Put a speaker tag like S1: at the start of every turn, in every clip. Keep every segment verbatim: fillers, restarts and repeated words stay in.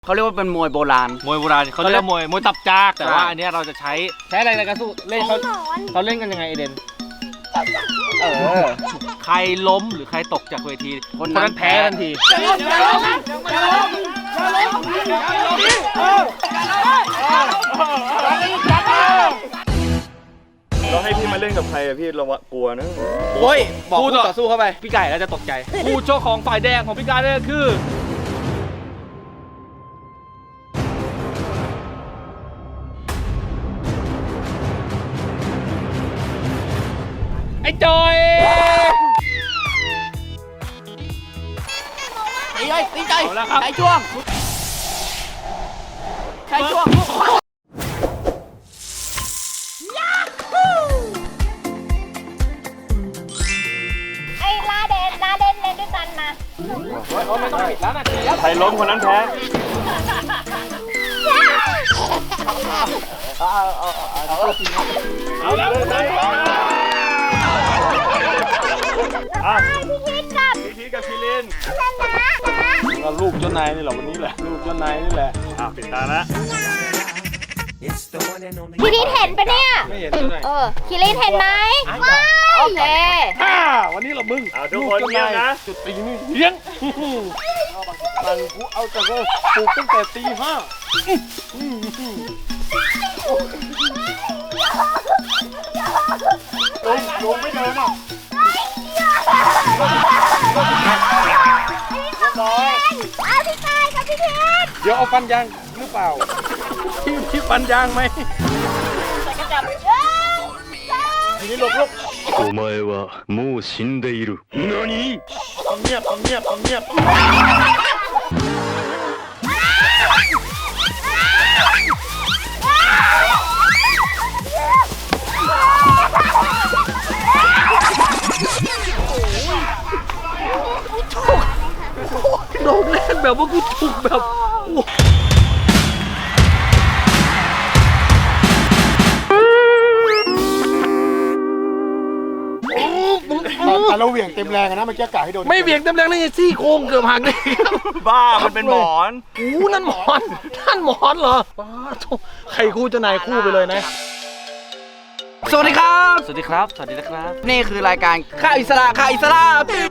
S1: เขาเรียกว่าเป็นมวยโบราณ
S2: มวยโบราณเขาเรียกมวยมวยตับจากแต่ว่าอันนี้เราจะใช้ใช้อะไรในการสู้เล่นเขาเขาเล่นกันยังไงเอเดนเออใครล้มหรือใครตกจากเวทีคนนั้นแพ้ทันที
S3: เราให้พี่มาเล่นกับใครอะพี่เรากลัวนะ
S1: โอ้ยบอกคู่ต่อสู้เข้าไป
S2: พี่ไก่แล้วจะตกใจคู่โชคของฝ่ายแดงของพี่ไก่นี่คือไอ้จอย
S1: ตีเลยตีใจใช้ช่วงใช้ช่วง
S4: ไอ้ลาเดนลาเดนเล่นด้วยกันมา
S2: เขาไม่ต้องปิดแล้วนะ
S3: ใครล้มคนนั้นแพ้เอาแล้วอ่ะพี่ทิศกับพี่ทิศกับพี่ลินเราลูกเจ้านายนี่แหละวันนี้แหละลูกเจ้านายนี่แหละอ่ะปิดตาละ
S4: พี่ทิศเห็นปะเนี่ย
S2: ไม่เห็นตัวไหน
S4: เออคิรินเห็นไหมไม่โอเค
S2: ฮ่าวันนี้เรามึง
S3: ทุกคนเงียบนะ
S2: จุดตีนี่เลี้ยงตังกูเอาแต่ก็ปลูกตั้งแต่ตีห้า
S3: ลงลงไม่เดินอ่ะ
S4: เอาพี่ชายกับพี่ทิศ
S2: เดี๋ยวเอาฟันยางหรือเปล่าพี่พี่ฟันยางไหม
S4: ใส่กระจับ
S2: ทีนี้หลบหลบ
S5: お前はもう死んでいる。何？
S2: เอาเงียบเอาเงียบเอาเงียบโดนเล่นแบบว่ากูถูกแบบ
S6: แต่เราเหวี่ยงเต็มแรงนะมันแก้กะให้โดน
S2: ไม่เหวี่ยงเต็มแรงเลยซี่โครงเกือบหักเลย
S3: บ้ามันเป็นหมอน
S2: โอ้นั่นหมอนนั่นหมอนเหรอป้าใครคู่จะนายคู่ไปเลยนะ
S1: สวัสดีครับ
S2: สวัสดีครับสวัสดีนะครับ
S1: นี่คือรายการข่าวอิสระข่าวอิสระ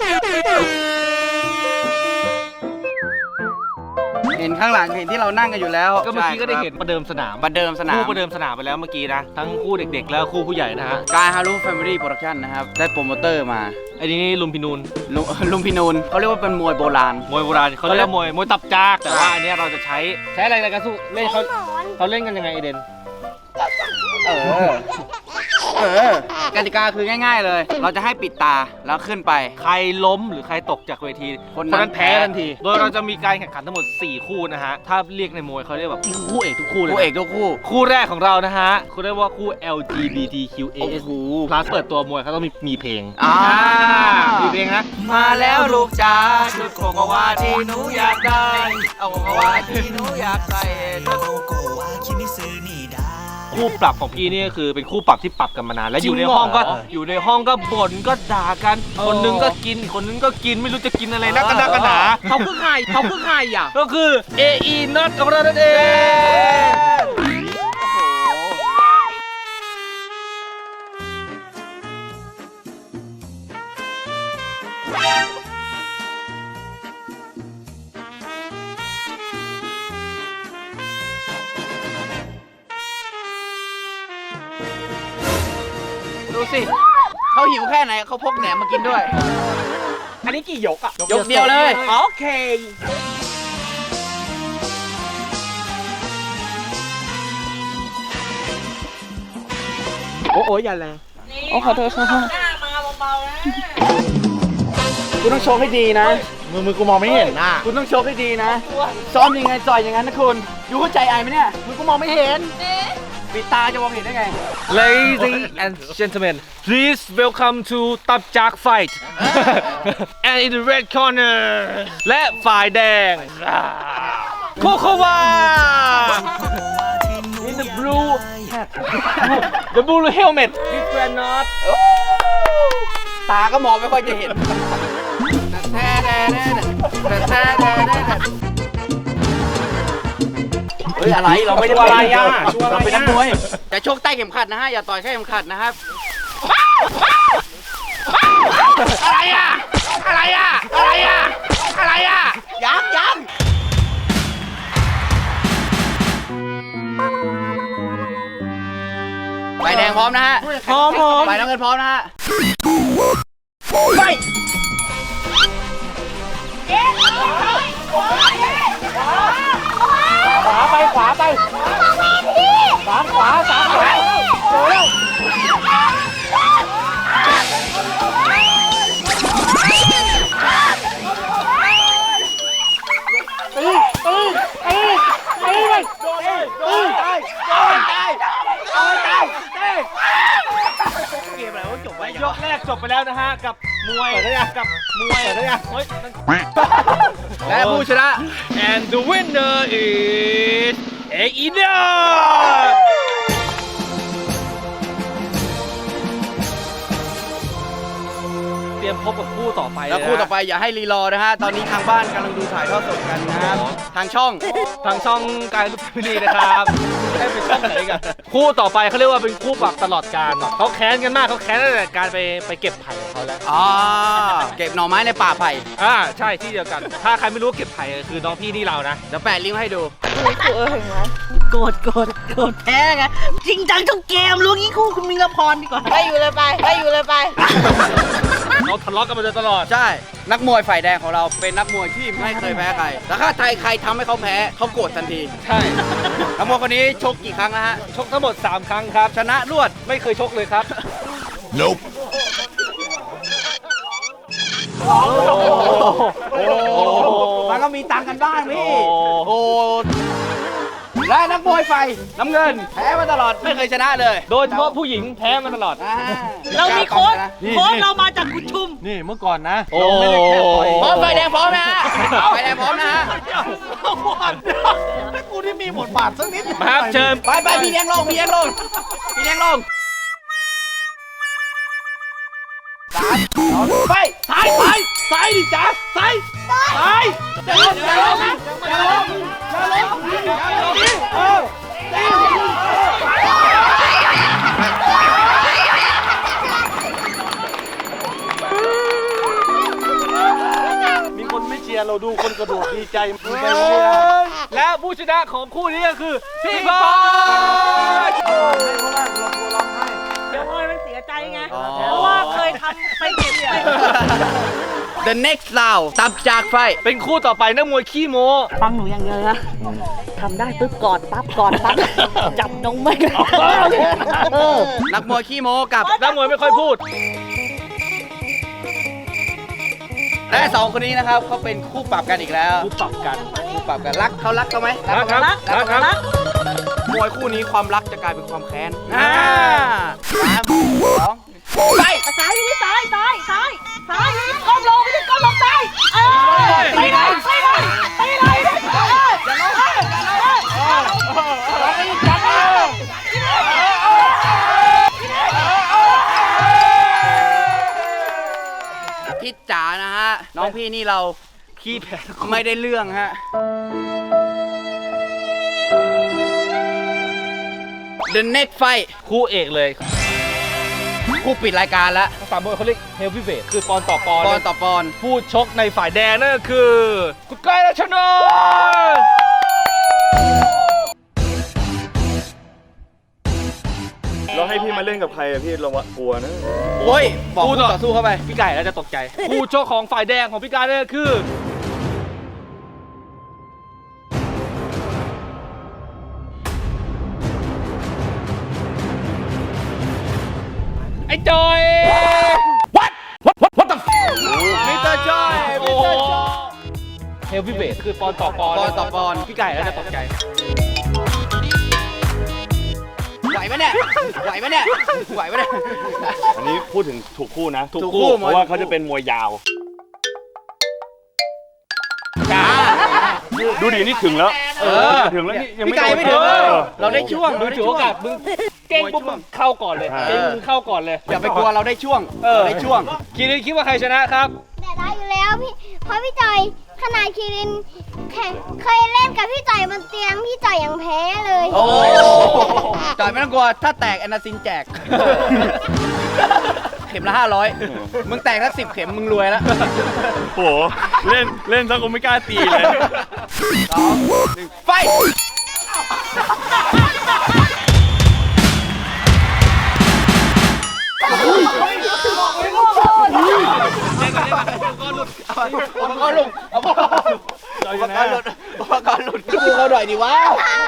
S1: เห็นข้างหลังเห็นที่เรานั่งกันอยู่แล้ว
S2: ก็เมื่อกี้ก็ได้เห็นประเดิมสนาม
S1: ประเดิมสนาม
S2: คู่ประเดิมสนามไปแล้วเมื่อกี้นะทั้งคู่เด็กๆแล้วคู่ผู้ใหญ่นะฮะ
S1: กายฮารุแฟมิลี่โปรดักชั่นนะครับได้โปรโมเตอร์มา
S2: ไอ้นี่ลุมพินูน
S1: ลุมพินูนเขาเรียกว่าเป็นมวยโบราณ
S2: มวยโบราณเขาเรียกมวยมวยตับจากแต่ว่าอันนี้เราจะใช้ใช้อะไรในการสู้เล่นเขาเขาเล่นกันยังไงเอเดน
S1: เออเออกติกาคือง่ายๆเลยเราจะให้ปิดตาแล้วขึ้นไป
S2: ใครล้มหรือใครตกจากเวทีคนนั้นแพ้ทันทีโดยเราจะมีการแข่งขันทั้งหมดสี่คู่นะฮะถ้าเรียกในมวยเขาเรียกแบบคู่เอกทุกคู่เลย
S1: คู่เอกทุกคู่
S2: คู่แรกของเรานะฮะเขาเรียกว่าคู่ แอล จี บี ที คิว เอ เอส พลัสเปิดตัวมวยเขาต้องมีมีเพลง
S1: อ่า
S2: มีเพลงนะ
S1: มาแล้วลูกจ๋าชุดโกโกวาที่หนูอยากได้เอาโกโกวาที่หนูอยากใส่
S2: คู่ปรับของพี่นี่ก็คือเป็นคู่ปรับที่ปรับกันมานานและอยู่ในห้องก็อยู่ในห้องก็บ่นก็ด่ากันคนนึงก็กินคนนึงก็กินไม่รู้จะกินอะไรนักกันนักกันหนา
S1: เขาคือใครเขาคือใครอ่ะ
S2: ก็คือ เอ อี น็อตของเรานั่นเอง
S1: ดูสิเขาหิวแค่ไหนเขาพกแหนมมากินด้วย
S2: อันนี้กี่ยกอ่ะ
S1: ยกเดียวเลย
S2: โอเคโอ้โหอย่าแรง
S1: โอ้ขอโทษขอโทษคุณต้องโชว์ให้ดีนะ
S2: มือมือกูมองไม่เห็นนะ
S1: คุณต้องโชว์ให้ดีนะซ้อมยังไงจ่อยอย่างนั้นนะคุณอยู่เข้าใจไอ้ไหมเนี่ยมือกูมองไม่เห็นปิดตาจะมองเห็นได้ไง
S2: Ladies and gentlemen please welcome to ตับจาก fight and in the red corner และฝ่ายแดงโคโควา in the blue hat the blue helmet with granite
S1: ตาก็มองไม่ค่อยจะเห็น แท้แท้แท้แท้แท้เฮ้ยอะไรเราไม่ได้
S2: ชัวร์อะไรอ่ะชัวร์อะไร
S1: เราเป็นนักมวย
S2: อ่ะ
S1: จะชกใต้เข็มขัดนะฮะอย่าต่อยแค่เข็มขัดนะครับอะไรอ่ะอะไรอ่ะอะไรอ่ะอะไรอ่ะยังยังไฟแดงพร้อมนะฮะ
S2: พร้อมพร้อม
S1: ไฟน้ำเงินพร้อมนะฮะไป
S2: ขวาไปขวาไปสามขวาสามขวาเร็วตีตีตีตีเลยตีตายตายตายตายตายเกมอะไรวะจบไปยกแรกจบไปแล้วนะฮะกับมวยกับมวยเฮ้ย
S1: และผู้ชนะ
S2: and the winner is เออีเดอเตรียมพบกับคู่ต่อไป
S1: แล้วคู่ต่อไปอย่าให้รีรอนะฮะ ตอนนี้ทางบ้านกำลังดูถ่ายทอดสดกันนะครับ ทางช่อง
S2: ทางช่องกายลุกพินีนะครับให้ไปช่องไหนกันคู่ต่อไปเขาเรียกว่าเป็นคู่ปรับตลอดการเขาแค้นกันมากเขาแค้นตั้งแต่การไปไปเก็บไผ่ของเขาแล้ว
S1: อ๋อ เก็บหน่อไม้ในป่าไผ่
S2: อ่าใช่ที่เดียวกัน ถ้าใครไม่รู้ว่าเก็บไผ่คือน้องพี่นี่เรานะ
S1: เดี๋ยวแปะลิงก์ให้ดู
S7: โกรธโกรธโกรธแพ้ไงจริงจังทุกเกมรู้งี้คู่คุณมิงละพรดีกว่า
S4: ไปอยู่เลยไปไปอยู่เลยไป
S2: เราทะเลาะกันมาโดยตลอด
S1: ใช่ นักมวยฝ่ายแดงของเราเป็นนักมวยที่ไม่เคยแพ้ใคร แล้วถ้าใครใครทำให้เขาแพ้เขาโกรธทันที
S2: ใช่
S1: นักมวยคนนี้ชกกี่ครั้งนะฮะ
S2: ชกทั้งหมดสามครั้งครับ
S1: ชนะรวด
S2: ไม่เคยชกเลยครับ
S5: Nope
S1: โอ้มันก็มีตังค์กันบ้างพี่ โอ้ และนักมวยไฟน้ำเงิน แพ้มาตลอดไม่เคยชนะเลย
S2: โดยเฉพาะผู้หญิงแพ้มาตลอด
S1: อ่า
S7: เรามีโค้ดโค้ดเรามาจากกุชุม
S3: นี่เมื่อก่อนนะ
S2: โอ้
S3: เราไม่ได้แค่ต่อย
S1: พร้อมไฟแดงพร้อมนะฮะไฟแดงพร้อมนะฮะ
S6: กูที่มีบทบาทสักนิด
S2: มาครับเชิญ
S1: ไปไปพี่เลี้ยงลงพี่เลี้ยงลงพี่เลี้ยงลงสามสองไปซ้ายซ้ายซ้ายดิจ้าซ้ายซ้ายอย่าลงอย่าลงอย่าลงอย่าลงอย่าลงเออ
S3: มีคนไม่เชียร์เราดูคนกระโดดดีใจมึงไป
S2: และผู้ชนะของคู่นี้ก็คือพี่บอล
S7: เดี๋ยวเอ้ยมันเสียใจไง เพราะว่าเคยทำไปเก็บไป
S1: The next round ตับจากไฟ
S2: เป็นคู่ต่อไปนักมวยขี้โม้
S7: ฟังหนูอย่างเดียวนะทำได้ปุ๊บกอดปั๊บกอดปั๊บจับนงไม่กันเออ
S1: นักมวยขี้โม้กับ
S2: นักมวยไม่ค่อยพูด
S1: และสองคนนี้นะครับเขาเป็นคู่ปรับกันอีกแล้ว
S2: คู่ปรับกัน
S1: คู่ปรับกันรักเขารักเขาไหม
S2: รักครับ
S1: รัก
S2: รักครับ
S1: รักมวยคู่นี้ความรักจะกลายเป็นความแค้นอ่าสามสองไป
S7: ซ้ายนี่ซ้ายซ้ายซ้ายซ้ายก้มลงไม่ใช่ก้มลงซ้ายเออไปเลยไปเลยไปเลยเอออย่าลงเออ
S1: พี่จ๋านะฮะน้องพี่นี่เรา
S2: ขี้แพ้
S1: ไม่ได้เรื่องฮะ The next fight
S2: คู่เอกเลย
S1: คู่ปิดรายการแล้ว
S2: ภาษามวยเขาเรียกเฮลวีเวทคือปอนต่อปอน
S1: ปอนต่อปอน
S2: ผู้ชกในฝ่ายแดงนั่นก็คือคุณก้อยรัชนนท์
S3: เราให้พี่มาเล่นกับใครอะพี่เรากลัวนะ
S1: โอ้ยบอกคู่ต่อสู้เข้าไป
S2: พี่ไก่แล้วจะตกใจ ผู้ชกของฝ่ายแดงของพี่ไก่นั่นก็คือไอ้จอย What What What What the
S1: มิสเตอร์จอย
S2: โอ้
S1: มิสเตอร์จอย
S2: เฮลวีเวทคือปอนต่อปอน
S1: ปอนต่อปอน
S2: พี่ไก่แล้วจะตกใจ
S1: ไหวไหมเนี่ยไหวไหมเนี่ยไหวไหมเนี่ย
S3: อันนี้พูดถึงถูกคู่นะ
S1: ถูกคู่
S3: เพราะว่าเขาจะเป็นมวยยาว
S1: จ้า
S3: ดูดินี่ถึงแล้ว
S1: เออ
S3: ถึงแล้วนี่ยัง
S1: พี่
S3: ไม่
S1: ไก่ไม่ถึงเลยเราได้ช่วง
S2: มึ
S1: เรา
S2: ง
S1: ได้
S2: ถือ
S1: ช่
S2: โอ
S1: วง
S2: กาสมึงเก่งปุ๊บมึงเข้าก่อนเลย
S3: เออ
S2: เก่งมึงเข้าก่อนเลย
S1: อย่าไปกลัวเราได้ช่วง
S2: เออ
S1: ได้ช่วง
S2: คิดคิดว่าใครชนะครับ
S4: แต่ได้อยู่แล้วพี่เพราะพี่จอยทขนาดคิรินแข่งเคยเล่นกับพี่จ่อยบนเตียงพี่จ่อยยังแพ้เลย
S1: โอ้จ่อยไม่ต้องกลัวถ้าแตกแอนนาซินแจก เข็มละห้าร้อยมึงแตกถ้าสิบเข็มมึงรวยแล้ว
S3: โหเล่นเล่นซะกูไม่กล้าตีเลย
S1: สองหนึ่งไฟอุปกรณ์หลุดอุปกรณ์หลุดอุปกรณ์หลุดอุปกรณ์หลุดดูเขาหน่อยดิวะ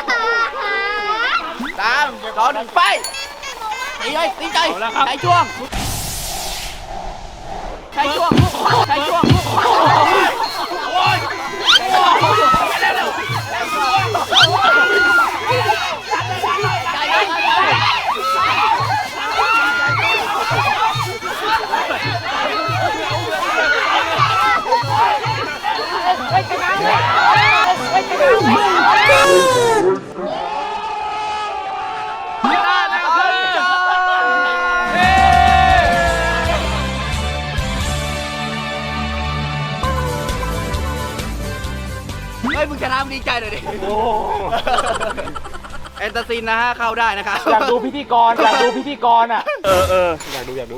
S1: สามสองหนึ่งไฟตีเลยตีใจใช้ช่วงใช้ช่วงใช้ช่วงเฮ้ยมึงชนะมึงดีใจหน่อยดิแอนตาซินนะฮะเข้าได้นะครับ
S2: อยากดูพิธีกรอยากดูพิธีกรอ่ะ
S3: เออเออ
S2: อยากดูอยากดู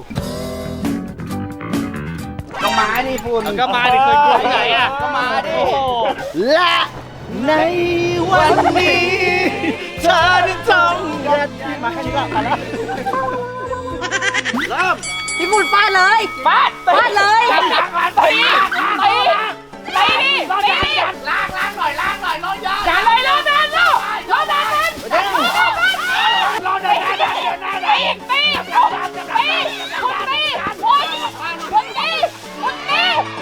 S1: ก็มาดิฝุ่น
S2: ก็มาดิเคยกลัวที่ไหนอ่ะ
S1: ก็มาดิ
S2: โอ้โห
S1: และในวันนี้เธอได้ทำยัดมาแค่นี้ก็มาแล้วเริ่ม
S7: พี่ฝุ่นฟาดเลยฟาดฟาดเลยตีตีตีดิตีดิล้างล้างหน่อยล้างหน่อยรอยาอย่าเลยรอนานลูกรอนานนานรอนานนานตีตีตีคุณตีคุณคุณตีคุณตี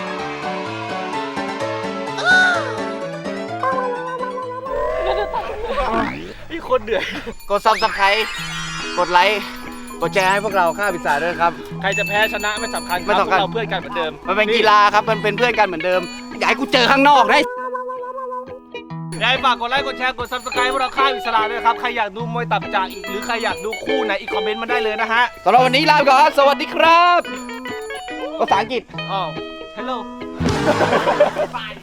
S2: พี่คนเดือด
S1: กดซับสไครต์กดไลค์กดแชร์ให้พวกเราข้าพิศาจด้วยครับ
S2: ใครจะแพ้ชนะไม่สำคัญครับ
S1: ไม่สำคัญ
S2: พวกเราเพื่อนกันเหมือนเดิม
S1: มันเป็นกีฬาครับมันเป็นเพื่อนกันเหมือนเดิมอยากให้กูเจอข้างนอกได้
S2: ยายฝากกดไลค์กดแชร์กด ซับสไครบ์ พวกเราค่ายอิสระด้วยนะครับ ใครอยากดูมวยตับจากอีกหรือใครอยากดูคู่ไหนอีกคอมเมนต์มาได้เลยนะฮะ
S1: สำหรับวันนี้ลาไปก่อนครับสวัสดีครับภาษาอังกฤษ
S2: อ๋อ hello